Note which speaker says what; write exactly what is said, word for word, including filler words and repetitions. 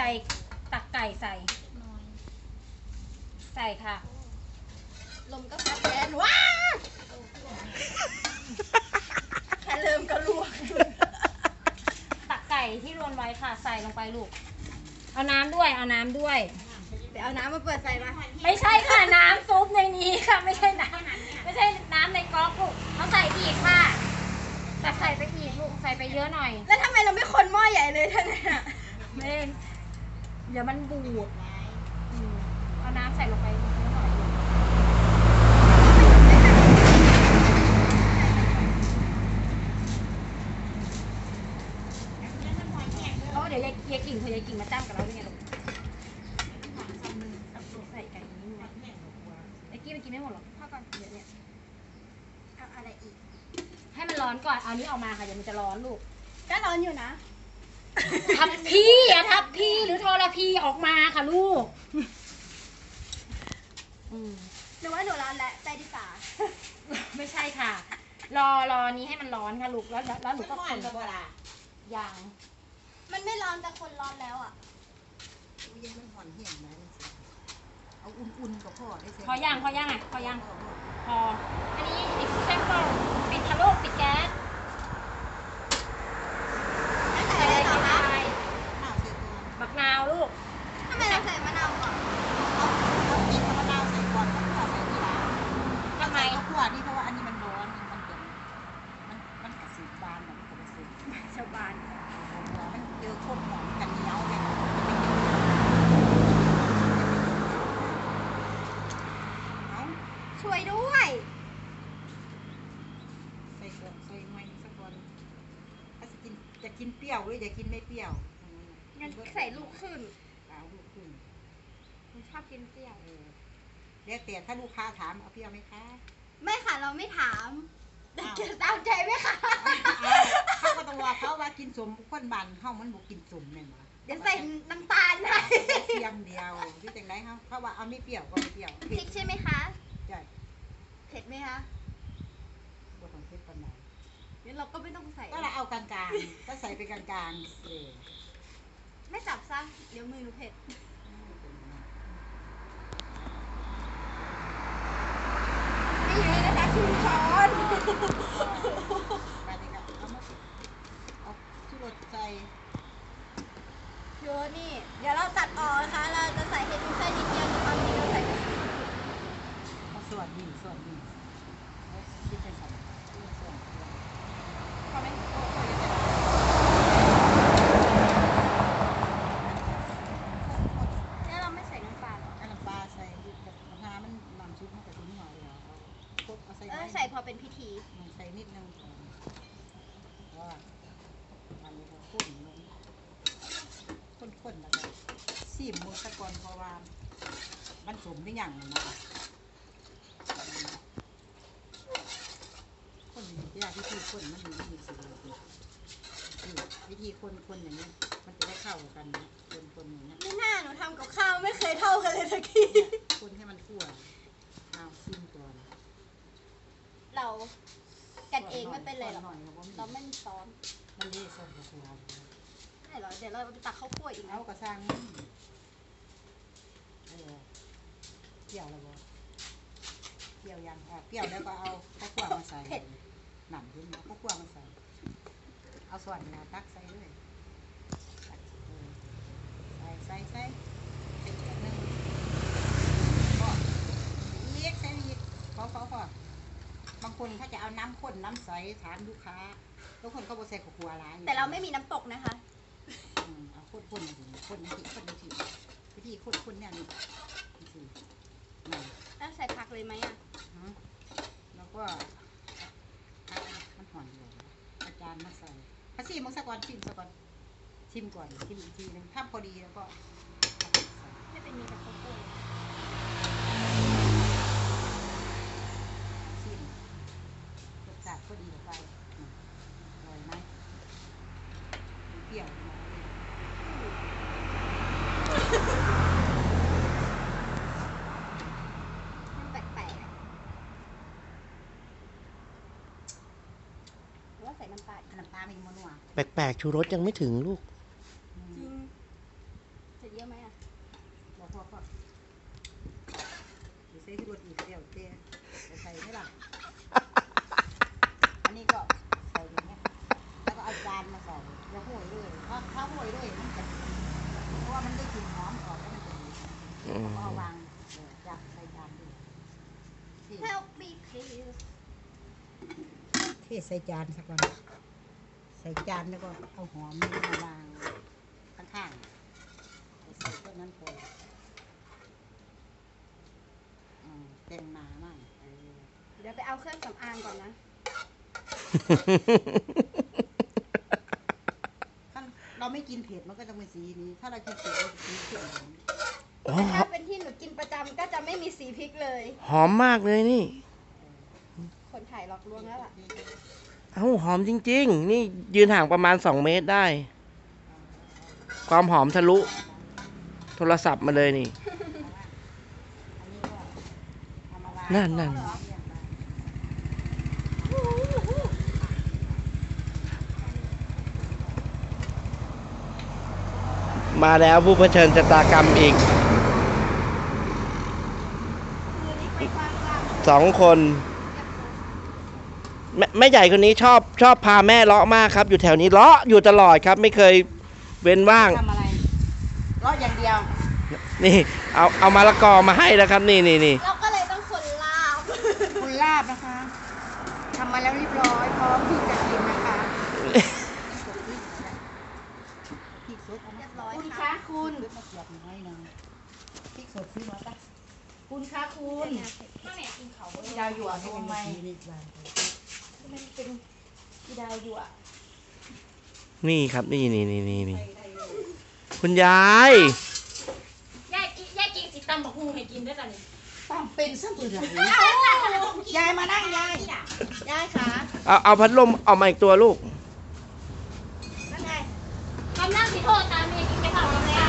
Speaker 1: ตักไก่ใส่ใส่ค่ะลมก็พัดแรงว้าแค่เริ่มก็ลวกตักไก่ที่รวนไว้ค่ะใส่ลงไปลูกเอาน้ำด้วยเอาน้ำด้วยเดี๋ยวเอาน้ำมาเปิดใส่มาไม่ใช่ค่ะน้ำซุปในนี้ค่ะไม่ใช่น้ำไม่ใช่น้ำในก๊อกลูกเขาใส่อีกค่ะแต่ใส่ไปอีกลูกใส่ไปเยอะหน่อยแล้วทำไมเราไม่คนหม้อใหญ่เลยท่านเนี่ยไม่เดี๋ยวมันบูดเอาน้ำใส่ลงไปเยอะหน่อยเพราะเดี๋ยวยายยายกิ่งเธอยายกิ่งมาจ้ำกับเราด้วยไงลูกใส่ไก่นี้ไงไอ้กี้มันกินไม่หมดหรอกพ่อก่อนเดี๋ยวเนี่ยเอาอะไรอีกให้มันร้อนก่อนเอานี้ออกมาค่ะเดี๋ยวมันจะร้อนลูกก็ร้อนอยู่นะทับพี่อะทับพี่หรือทรพีออกมาค่ะลูกหรือว่าหนูร้อนแล้วใจดีกว่าไม่ใช่ค่ะรอรอนี้ให้มันร้อนค่ะลูกแล้วแล้วหนูก็คนอย่างมันไม่ร้อนแต่คนร้อนแล้วอ่ะ
Speaker 2: ยังมันห่อนเหี่ยงไหมเอาอุ่นๆกับพ่อได้สิ
Speaker 1: พอย่างพอย่างอ่ะพอย่างพออันนี้อีกแซ่บเปล่าปิดทะลุปิดแก๊สใส่อะไรต่อคะบักนาวลูกทำไมเราใส่มะนาวก่อน
Speaker 2: เรากินมะนาวใส่ก่อนแล้วก็ใส่ทีหลังทำไมข้าวคั่วนี่เพราะว่าอันนี้มันร้อนมันเป็นมันมันกระสีบานแบบกระสี
Speaker 1: ชาวบ้าน
Speaker 2: มันเจอคนหอมกันเหนียวเลย
Speaker 1: ช่วยด้วย
Speaker 2: ใส่เกลือใส่ไม้สักคนถ้าจะกินจะกินเปรี้ยวหรือจะกินไม่เปรี้ยว
Speaker 1: งั้นใส่ลูกขึ้น
Speaker 2: เอาลูกขึ้น
Speaker 1: ผมชอบกินเปรี้ยว
Speaker 2: เรียกแต่ถ้าลูกค้าถามเอาเปรี้ยวไหมคะ
Speaker 1: ไม่ค่ะเราไม่ถามแต่เกิดตามใจไหมคะ
Speaker 2: เขาก็ต้องว่าเขาว่ากินสมคนบันเขามันบุกกินสมเนี่ยมา
Speaker 1: เดี๋ยวใส่น้ำตาลให้
Speaker 2: เทียมเดียวที่จังไรเขาเขาว่าเอาไม่เปรี้ยวก็ไม่เปรี้ยว
Speaker 1: พริกใช่ไหมคะ
Speaker 2: ใช่
Speaker 1: เผ็ดไหมคะ
Speaker 2: บวของเผ็ดปันไหน
Speaker 1: งั้นเราก็ไม่ต้องใส่
Speaker 2: ก็เราเอากลางๆก็ใส่ไปกลางๆเลย
Speaker 1: ไม่จับซะเดี๋ยวมือหนูเผ็ดนี่ไงนะคะชูช้อน
Speaker 2: ไปเลยค่ะเอามาเอาชูรสใส่
Speaker 1: เยอะนี่เดี๋ยวเราตัดออกนะคะเราจะใส่เห็ดแค่นิดเดียวแต่ความจริงเราใส่
Speaker 2: เอาส่วนดีส่วนดีคิดเป็นส่วนส่วน
Speaker 1: พอไหมแล้วเราไม่ใส่น้ำปลาหรอ
Speaker 2: น้ำปลาใส่กับน้ำมันน้ำซุปมันกับชิ้นหัวเลยเหรอเอาใส่
Speaker 1: ใส่พอเป็นพิธี
Speaker 2: ใส่นิดนึงว่าอันนี้ก็ข้นลงข้นๆแล้วก็ซีมมือตะกอนเพราะว่ามันสมได้อย่างนะคนที่ยากวิธีคนมันมีวิธีสิวิธีคนคนอย่างนี้มันจะได้เข้ากันคนคนอย่างนี้
Speaker 1: ไม่น่าหนูทำกับข้าวไม่เคยเท่ากันเลยสักที
Speaker 2: คนให้มันทั่วเอาซิมก่อน
Speaker 1: เรากันเองไม่เป็นเลยหรอกเราไม่มีซ้อน
Speaker 2: มันเละส่วนกระชับ
Speaker 1: ใช่เหรอเดี๋ยวเราตักข้าวคั่วอีก
Speaker 2: เอากระซังเออเปรี้ยวแล้วบ่เปรี้ยวยังอ่ะเปรี้ยวแล้วก็เอาข้าวคั่วมาใส่หนังขึ้นมาข้าวคั่วมาใส่เอาส่วนนาตักใส่เลยใส่ใส่ใส่ใส่อีกนึงพออีกใส่อีกพอพอพอบางคนเขาจะเอาน้ำข้นน้ำใสถามลูกค้าบางคนเขาบอกใส่ข้าวคั่วอะไร
Speaker 1: แต่เราไม่มีน้ำตกนะคะ
Speaker 2: เอาข้นข้นมาถึงข้นนาทีข้นนาทีวิธีข้นข้นเนี่ยนี่นี่
Speaker 1: แล้วใส่ผักเลยไหมอ่ะ
Speaker 2: แล้วก็มันหอนอยู่อาจารย์มาใส่พัชิมมังสะกอนชิมสะกอนชิมก่อนชิมอีกทีนึงถ้าพอดีแล้วก็
Speaker 1: ให้เป็นมีแต่ข้าวคั่ว
Speaker 2: ชิมรสชาติพอดีไปอร่อยไหมเปรี้ยว
Speaker 1: มันแปลกๆหรือว่าใส่น้ำปลา
Speaker 2: น้ำปลาไม่นัว
Speaker 3: แปลกๆชูรสยังไม่ถึงลูก
Speaker 1: จริงใส่
Speaker 2: พอใส่ที่รถอีกเดียวเจ๊ใส่ไม่หลังอันนี้ก็ใส่อย่างเงี้ยแล้วก็เอาจานมาใส่แล้วห่วยด้วยถ้าถ้าห่วยด้วยมันจะเพราะว่ามันได้กลิ่นหอมออกแล้วมันจะดีก็เอาวางจับใส่จานด้วย
Speaker 1: Help me please
Speaker 2: เทใส่จานสักวันใส่จานแล้วก็เอาหอมมาวางข้างๆใส่ต้นนั้นพอเต็มมามั่ง
Speaker 1: เดี๋ยวไปเอาเครื่องสำอางก่อนนะ
Speaker 2: ถ้าเราไม่กินเผ็ดมันก็จะเป็นสีนี้ ถ้าเรากินเผ็ดมันจะสีเขียว
Speaker 3: อ๋อ
Speaker 1: แต่ถ้าเป็นที่หนูกินประจำก็จะไม่มีสีพริกเลย
Speaker 3: หอมมากเลยนี่
Speaker 1: คนถ่ายหลอกลวงแล้วล่ะ
Speaker 3: เอ้าหอมจริงๆ นี่ยืนห่างประมาณสองเมตรได้ ความหอมทะลุ โทรศัพท์มาเลยนี่ นั่นนั่นมาแล้วผู้เผชิญชะตากรรมอีก สองคนแม่แม่ใหญ่คนนี้ชอบชอบพาแม่เลาะมากครับ อยู่แถวนี้เลาะอยู่ตลอดครับ ไม่เคยเว้นว่าง
Speaker 2: ทำอะไรรอดอย่างเดียว
Speaker 3: นี่ เอาเอามะละกอมาให้แล้วครับ นี่นี่นี่
Speaker 1: เราก็เลยต้องคนลาบ
Speaker 2: คุณลาบนะคะทำมาแล้วเรียบร้อยพร้อมที่จะกินนะคะพริกสด
Speaker 1: เรียบร้อย
Speaker 2: คุณ
Speaker 1: ค่ะ
Speaker 2: คะคุณมาเกียบน้อยหนึงพริกสดซื้อมาปะคุณคะคุณ
Speaker 1: ข้าวเหนียวกินเขา
Speaker 2: พี่ดาวหยวนให้ยังไง
Speaker 1: มันเป็นอีดาวอยู่อ่ะ
Speaker 3: นี่ครับ นี่นี่นี่นี่นี่คุณยาย
Speaker 1: ยายกินยายกินสิตำบักฮูให้กินด้วยจ้ะนี่
Speaker 2: ต้องเป็นสักหน่อยยายมานั่งยายยายขา
Speaker 3: เอาเอาพัดลมเอามาอีกตัวลูก
Speaker 2: นั่นไง
Speaker 1: คำนั่งสิโทษตามเมียกินไปเผาแล้ว